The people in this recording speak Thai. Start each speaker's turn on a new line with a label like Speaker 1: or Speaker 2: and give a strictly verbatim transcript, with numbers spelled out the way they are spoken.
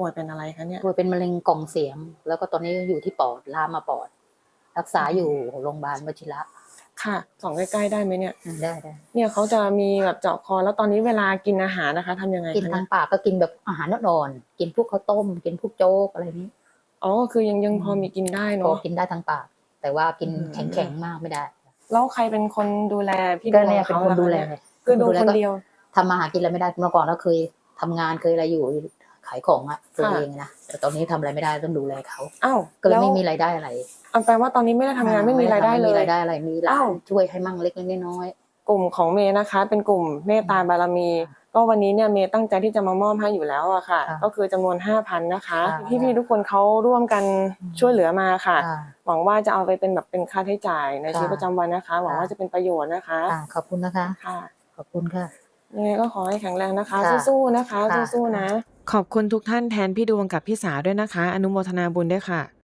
Speaker 1: ป่วยเป็นอะไรคะเนี่ย
Speaker 2: ป่วยเป็นมะเร็งกล่องเสียงแล้วก็ตอนนี้อยู่ที่ปอดลามมาปอดรักษาอยู่โรงพยาบาลวชิระ
Speaker 1: ค่ะส่องใกล้ๆได้ไหมเนี่ย
Speaker 2: ได้ได้
Speaker 1: เนี่ยเขาจะมีแบบเจาะคอแล้วตอนนี้เวลากินอาหารนะคะทำยังไง
Speaker 2: กิน
Speaker 1: คะ
Speaker 2: ทา
Speaker 1: เนี่ย
Speaker 2: งปากก็กินแบบอาหารอ่อนๆกินพวกข้าวต้มกินพวกโจ๊กอะไรนี้
Speaker 1: อ๋อคือยังยังพอมีกินได้
Speaker 2: พอ
Speaker 1: เนาะ
Speaker 2: กินได้ทางปากแต่ว่ากินแข็งๆมากไม่ได้
Speaker 1: แล้วใครเป็นคนดูแลพี่ด
Speaker 2: ก็
Speaker 1: วง
Speaker 2: เนี่ยเป็น
Speaker 1: เขา
Speaker 2: คน
Speaker 1: ล่ะ
Speaker 2: ดู
Speaker 1: คะ
Speaker 2: แล
Speaker 1: เนี่ยคือดูคนเดียว
Speaker 2: ทำมาหากินอะไรไม่ได้เมื่อก่อนเราเคยทำงานเคยอะไรอยู่ขายของอะตัวเองนะแต่ตอนนี้ทำอะไรไม่ได้ต้องดูแลเขา
Speaker 1: อ้าว
Speaker 2: ก็เลยไม่มีรายได้อะไร
Speaker 1: เอาแปลว่าตอนนี้ไม่ได้ทำงานไม่มีรายได้เลย
Speaker 2: ไม่มีรายได้อะไรมีหลา
Speaker 1: อ้าน ว
Speaker 2: ช่วยให้มั่งเล็กๆน้อย
Speaker 1: กลุ่มของเมย์นะคะเป็นกลุ่มเมตตาบารมีก็วันนี้เนี่ยเมย์ตั้งใจที่จะมามอบให้อยู่แล้วอะค่ะก็คือจำนวน ห้าพัน นะคะพี่ๆทุกคนเขาร่วมกันช่วยเหลือมาค่ะหวังว่าจะเอาไปเป็นแบบเป็นค่าใช้จ่ายในชีวิตประจำวันนะคะหวังว่าจะเป็นประโยชน์นะคะ
Speaker 2: ขอบคุณนะคะ
Speaker 1: ค่ะ
Speaker 2: ขอบคุณค่ะ
Speaker 1: ยังไงก็ขอให้แข็งแรงนะคะสู้ๆนะคะสู้ๆนะขอบคุณทุกท่านแทนพี่ดวงกับพี่สาด้วยนะคะอนุโมทนาบุญด้วยค่ะ